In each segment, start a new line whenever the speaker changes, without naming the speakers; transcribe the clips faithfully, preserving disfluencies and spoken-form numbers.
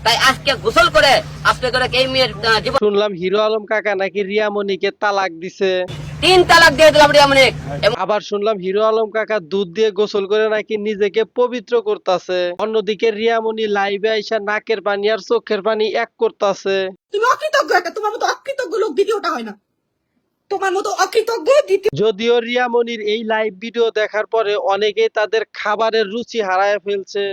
তাই আজকে গোসল করে আজকে করে এই মেয়ের জীবন।
শুনলাম হিরো আলম কাকা নাকি রিয়ামণিকে তালাক দিছে,
তিন তালাক দিয়ে দিলাম রিয়ামণি।
আবার শুনলাম হিরো আলম কাকা দুধ দিয়ে গোসল করে নাকি নিজেকে পবিত্র করতেছে। অন্যদিকে রিয়ামণি লাইভে আইসা নাকের পানি আর চোখের পানি এক করতেছে।
তুমি অকৃতজ্ঞ, একটা তোমার মতো অকৃতজ্ঞ লোক দ্বিতীয়টা হয় না, তোমার মতো অকৃতজ্ঞ দ্বিতীয়।
যদিও রিয়ামণির এই লাইভ ভিডিও দেখার পরে অনেকেই তাদের খাবারের রুচি হারায় ফেলছে।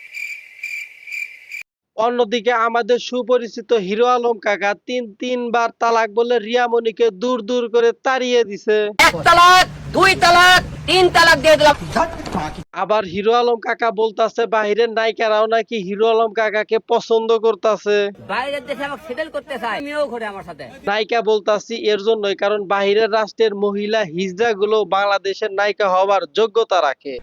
অন্যদিকে আমাদের সুপরিচিত হিরো আলম কাকা তিন তিনবার তালাক বলে রিয়ামণিকে দূর দূর করে তাড়িয়ে দিছে।
এক তালাক, দুই তালাক, তিন তালাক দিয়ে দিলাম।
আবার হিরো আলম কাকা বলতাছে বাহিরের নায়িকারাও নাকি হিরো আলম কাকাকে পছন্দ করতেছে।
বাইরের দেশে আমাকে সেটেল করতে চাই, আমিও ঘুরে আমার সাথে।
নায়িকা বলতাছি এর জন্যই কারণ বাহিরের রাষ্ট্রের মহিলা হিজড়া গুলো বাংলাদেশের নায়িকা হওয়ার যোগ্যতা রাখে।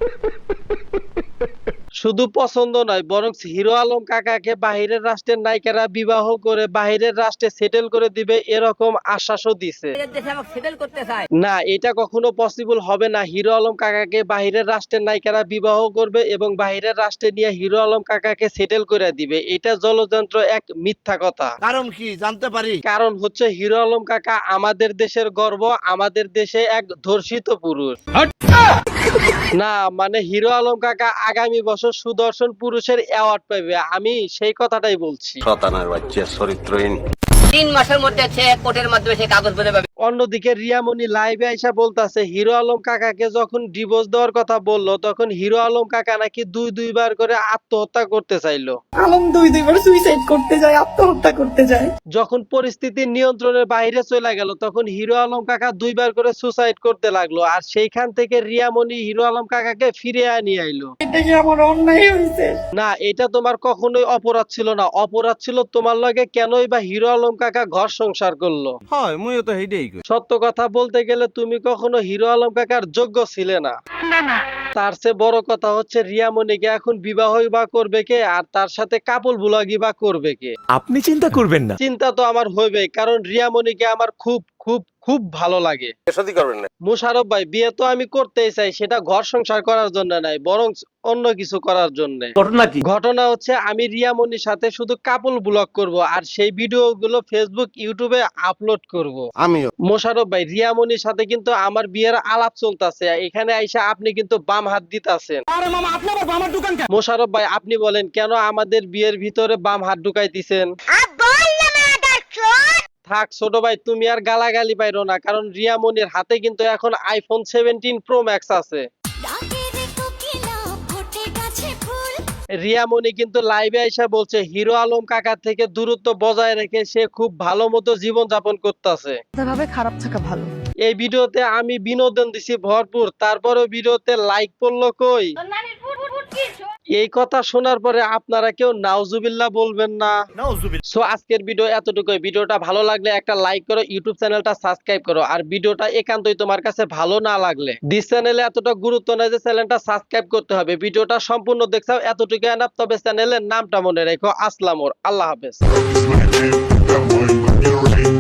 শুধু পছন্দ নয় বরং হিরো আলম কাকাকে বাহিরের রাষ্ট্রের নায়িকারা বিবাহ করে বাহিরের রাষ্ট্রে সেটেল করে দিবে এরকম আশ্বাসও দিছে।
বাইরের দেশে আমাকে সেটেল করতে চাই।
না, এটা কখনো পসিবল হবে না। হিরো আলম কাকাকে বাহিরের রাষ্ট্রের নায়িকারা বিবাহ করবে এবং বাহিরের রাষ্ট্রে নিয়ে হিরো আলম কাকাকে সেটেল করে দিবে। এটা জলযন্ত্র, এক মিথ্যা কথা।
কারণ কি জানতে পারি?
কারণ হচ্ছে হিরো আলম কাকা আমাদের দেশের গর্ব, আমাদের দেশে এক ধর্ষিত পুরুষ। না মানে হিরো আলম কাকা আগামী বছর সুদর্শন পুরুষের অ্যাওয়ার্ড পাবে, আমি সেই কথাটাই বলছি।
শতানার বাচ্চা চরিত্রহীন।
তিন মাসের মধ্যে সে কোর্টের মাধ্যমে সে কাগজ পেতে পাবে।
অন্যদিকে রিয়ামণি লাইভে আইসা বলতাছে হিরো আলম কাকাকে যখন ডিভোর্স দেওয়ার কথা বললো তখন হিরো আলম কাকা নাকি দুই দুইবার করে আত্মহত্যা করতে চাইলো।
আলম দুই দুইবার সুইসাইড করতে যায়, আত্মহত্যা করতে যায়।
যখন পরিস্থিতি নিয়ন্ত্রণের বাইরে চলে গেল তখন হিরো আলম কাকা দুইবার করে সুসাইড করতে লাগলো। আর সেইখান থেকে রিয়ামণি হিরো আলম কাকাকে ফিরে নিয়ে আইলো।
এটা কি আমার অন্যায় হয়েছে?
না, এটা তোমার কখনোই অপরাধ ছিল না। অপরাধ ছিল তোমার লগে কেনই বা হিরো আলম কাকা ঘর সংসার করলো।
হয় মুইও তো হেইডেই কই।
সত্য কথা বলতে গেলে তুমি কখনো হিরো আলম কাকার যোগ্য ছিলে না। তার চেয়ে বড় কথা হচ্ছে রিয়ামণিকে এখন বিবাহই বা করবে কে, আর তার সাথে কাপল বুলাগি বা করবে কে?
আপনি চিন্তা করবেন না।
চিন্তা তো আমার হইবে, কারণ রিয়ামণিকে আমার খুব খুব খুব ভালো লাগে।
সত্যি করবেন না?
মোশারফ ভাই, বিয়ে তো আমি করতেই চাই, সেটা ঘর সংসার করার জন্য নাই, বরং অন্য কিছু করার জন্য।
ঘটনা কি?
ঘটনা হচ্ছে আমি রিয়ামণির সাথে শুধু কাপল ব্লগ করব আর সেই ভিডিও গুলো ফেসবুক ইউটিউবে আপলোড করব।
আমিও।
মোশারফ ভাই, রিয়ামণির সাথে কিন্তু আমার বিয়ের আলাপ চলতেছে, এখানে আইসা আপনি কিন্তু বাম হাত দিতাছেন।
আরে মামা আপনি আবার বামার দোকান কেন?
মোশারফ ভাই, আপনি বলেন কেন আমাদের বিয়ের ভিতরে বাম হাত ঢুকাইতেছেন? থাক ছোট ভাই, তুমি আর গালাগালি পাইরো না, কারণ রিয়ামণির হাতে কিন্তু এখন আইফোন সেভেন্টিন প্রো ম্যাক্স আছে। রিয়ামণি কিন্তু লাইভে আইসা বলছে হিরো আলম কাকা থেকে দূরত্ব বজায় রেখে সে খুব ভালো মতো জীবন যাপন করতেছে।
ভাবে খারাপ থাকা ভালো।
এই ভিডিওতে আমি বিনোদন দিছি ভরপুর, তারপরেও ভিডিওতে লাইক পড়লো কই? এই কথা শোনার পরে আপনারা কেউ নাউজুবিল্লাহ বলবেন না। সো আজকের ভিডিও এতটুকুই। ভিডিওটা ভালো লাগলে একটা লাইক করো, ইউটিউব চ্যানেলটা সাবস্ক্রাইব করো। আর ভিডিওটা একান্তই তোমার কাছে ভালো না লাগলে দিস চ্যানেলে এতটা গুরুত্ব নাই যে চ্যানেলটা সাবস্ক্রাইব করতে হবে। ভিডিওটা সম্পূর্ণ দেখছাও এতটুকু এনাফ, তবে চ্যানেলের নামটা মনে রেখো। আসসালামু আলাইকুম, আল্লাহ হাফেজ।